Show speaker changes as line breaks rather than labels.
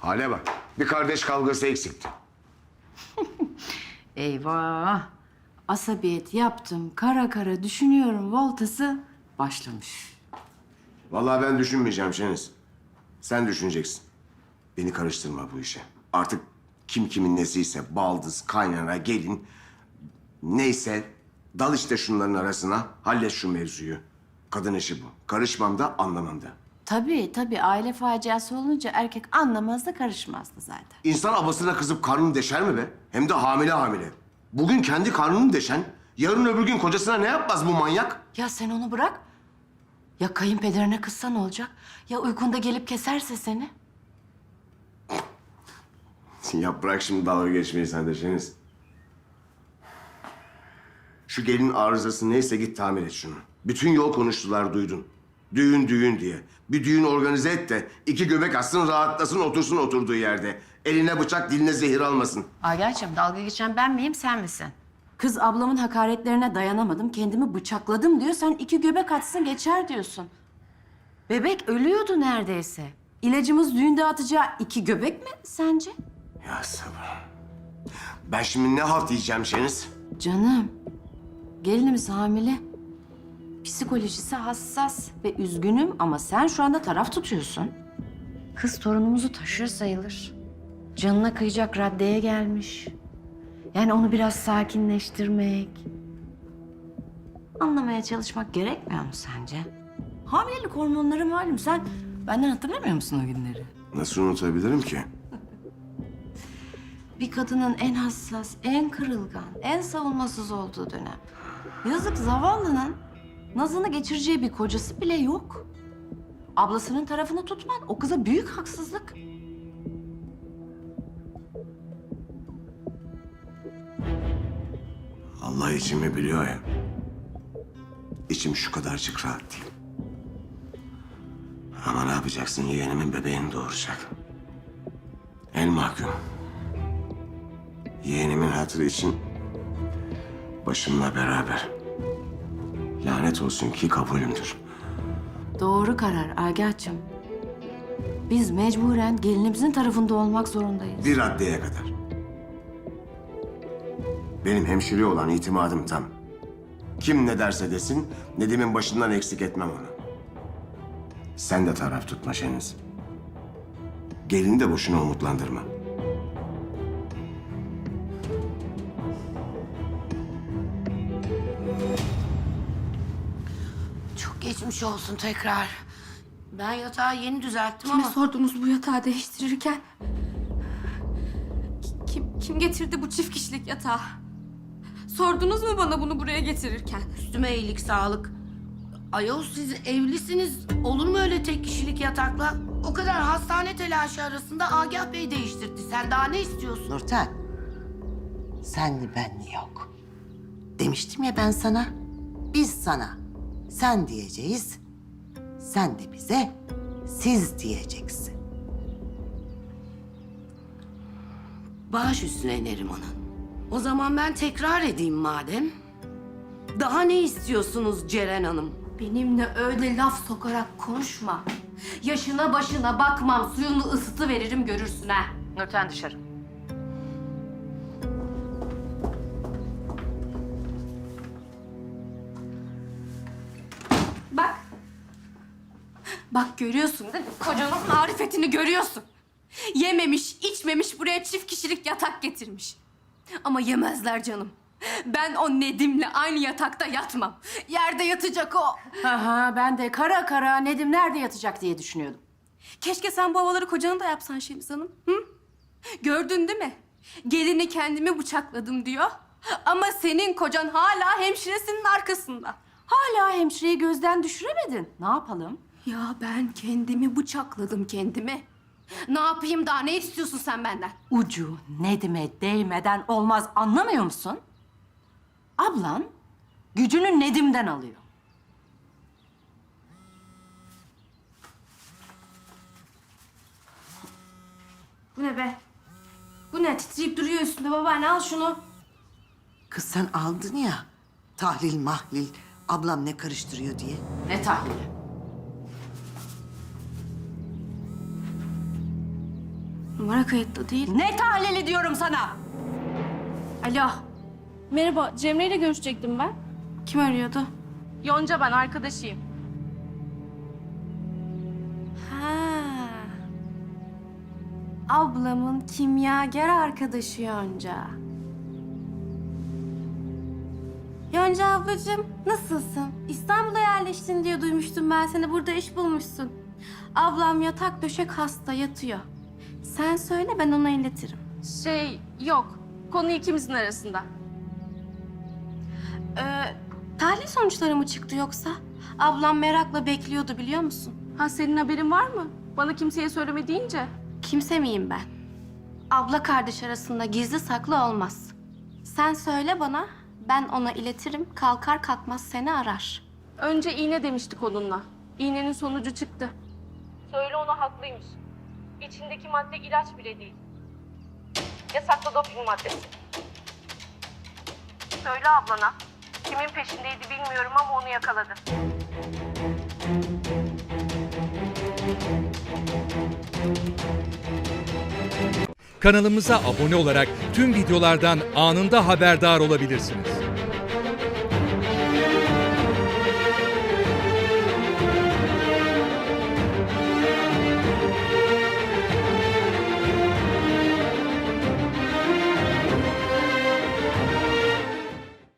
Hale bak. Bir kardeş kavgası eksikti.
Eyvah. Asabiyet yaptım. Kara kara düşünüyorum voltası başlamış.
Vallahi ben düşünmeyeceğim Şeniz. Sen düşüneceksin. Beni karıştırma bu işe. Artık kim kimin nesiyse baldız, kaynana, gelin... Neyse dal işte şunların arasına. Hallet şu mevzuyu. Kadın işi bu. Karışmam da anlamam da.
Tabii aile faciası olunca erkek anlamaz da karışmaz da zaten.
İnsan ablasına kızıp karnını deşer mi be? Hem de hamile hamile. Bugün kendi karnını deşen, yarın öbür gün kocasına ne yapmaz bu manyak?
Ya sen onu bırak. Ya kayınpederine kızsa ne olacak? Ya uykunda gelip keserse seni?
Ya bırak şimdi dalga geçmeyi sen de Şeniz. Şu gelin arızası neyse git tamir et şunu. Bütün yol konuştular duydun. Düğün diye. Bir düğün organize et de iki göbek atsın rahatlasın otursun oturduğu yerde. Eline bıçak diline zehir almasın.
Agah'cığım dalga geçen ben miyim sen misin? Kız ablamın hakaretlerine dayanamadım kendimi bıçakladım diyor. Sen iki göbek atsın geçer diyorsun. Bebek ölüyordu neredeyse. İlacımız düğünde atacağı iki göbek mi sence?
Ya sabır. Ben şimdi ne halt yiyeceğim Şeniz?
Canım, gelinimiz hamile. Psikolojisi hassas ve üzgünüm ama sen şu anda taraf tutuyorsun. Kız torunumuzu taşır sayılır. Canına kıyacak raddeye gelmiş. Yani onu biraz sakinleştirmek, anlamaya çalışmak gerekmiyor mu sence? Hamilelik hormonları malum. Sen benden hatırlamıyor musun o günleri?
Nasıl unutabilirim ki?
Bir kadının en hassas, en kırılgan, en savunmasız olduğu dönem. Yazık zavallının nazını geçireceği bir kocası bile yok. Ablasının tarafını tutman o kıza büyük haksızlık.
Allah içimi biliyor ya. İçim şu kadarcık rahat değil. Ama ne yapacaksın? Yeğenimin bebeğini doğuracak. El mahkum. Yeğenimin hatırı için başımla beraber. Lanet olsun ki kabulümdür.
Doğru karar Agah'cığım. Biz mecburen gelinimizin tarafında olmak zorundayız.
Bir raddeye kadar. Benim hemşire olan itimadım tam. Kim ne derse desin, Nedim'in başından eksik etmem onu. Sen de taraf tutma Şeniz. Gelini de boşuna umutlandırma.
Çok geçmiş olsun tekrar. Ben yatağı yeni düzelttim
Kime
ama...
sordunuz bu yatağı değiştirirken? Kim getirdi bu çift kişilik yatağı? Sordunuz mu bana bunu buraya getirirken?
Üstüme iyilik, sağlık. Ayol siz evlisiniz. Olur mu öyle tek kişilik yatakla? O kadar hastane telaşı arasında Agah Bey değiştirdi. Sen daha ne istiyorsun?
Nurten, senli benli yok. Demiştim ya ben sana, biz sana sen diyeceğiz, sen de bize siz diyeceksin.
Baş üstüne Neriman'ın. O zaman ben tekrar edeyim madem. Daha ne istiyorsunuz Ceren Hanım?
Benimle öyle laf sokarak konuşma. Yaşına başına bakmam, suyunu ısıtı veririm görürsün ha.
Nurten dışarı.
Bak. Bak görüyorsun değil mi? Kocanın marifetini görüyorsun. Yememiş, içmemiş buraya çift kişilik yatak getirmiş. Ama yemezler canım. Ben o Nedim'le aynı yatakta yatmam. Yerde yatacak o.
Aha, ben de kara kara Nedim nerede yatacak diye düşünüyordum.
Keşke sen bu havaları kocana da yapsan Şeniz Hanım. Hı? Gördün değil mi? Gelini kendimi bıçakladım diyor. Ama senin kocan hala hemşiresinin arkasında.
Hala hemşireyi gözden düşüremedin. Ne yapalım?
Ya ben kendimi bıçakladım kendimi. Ne yapayım daha ne istiyorsun sen benden?
Ucu Nedim'e değmeden olmaz anlamıyor musun? Ablan gücünü Nedim'den alıyor.
Bu ne be? Bu ne? Titreyip duruyor üstünde babaanne al şunu.
Kız sen aldın ya, tahlil mahlil, ablam ne karıştırıyor diye.
Ne tahlili?
Numara kayıtlı değil.
Ne tahlili diyorum sana?
Alo,
Merhaba, Cemre ile görüşecektim ben.
kim arıyordu?
Yonca ben, arkadaşıyım.
Ha. Ablamın kimyager arkadaşı Yonca. Yonca ablacığım, nasılsın? İstanbul'a yerleştin diye duymuştum ben seni. Burada iş bulmuşsun. Ablam yatak döşek hasta yatıyor. Sen söyle, ben ona iletirim.
Yok. Konu ikimizin arasında.
Tahlil sonuçları mı çıktı yoksa? Ablam merakla bekliyordu, biliyor musun?
Ha, senin haberin var mı? Bana kimseye söyleme deyince.
Kimse miyim ben? Abla kardeş arasında gizli saklı olmaz. Sen söyle bana, ben ona iletirim. Kalkar kalkmaz seni arar.
Önce iğne demiştik onunla. İğnenin sonucu çıktı. Söyle ona, haklıymış. İçindeki madde ilaç bile değil. Yasaklı doping maddesi. Söyle ablana. Kimin peşindeydi bilmiyorum ama onu yakaladı.
Kanalımıza abone olarak tüm videolardan anında haberdar olabilirsiniz.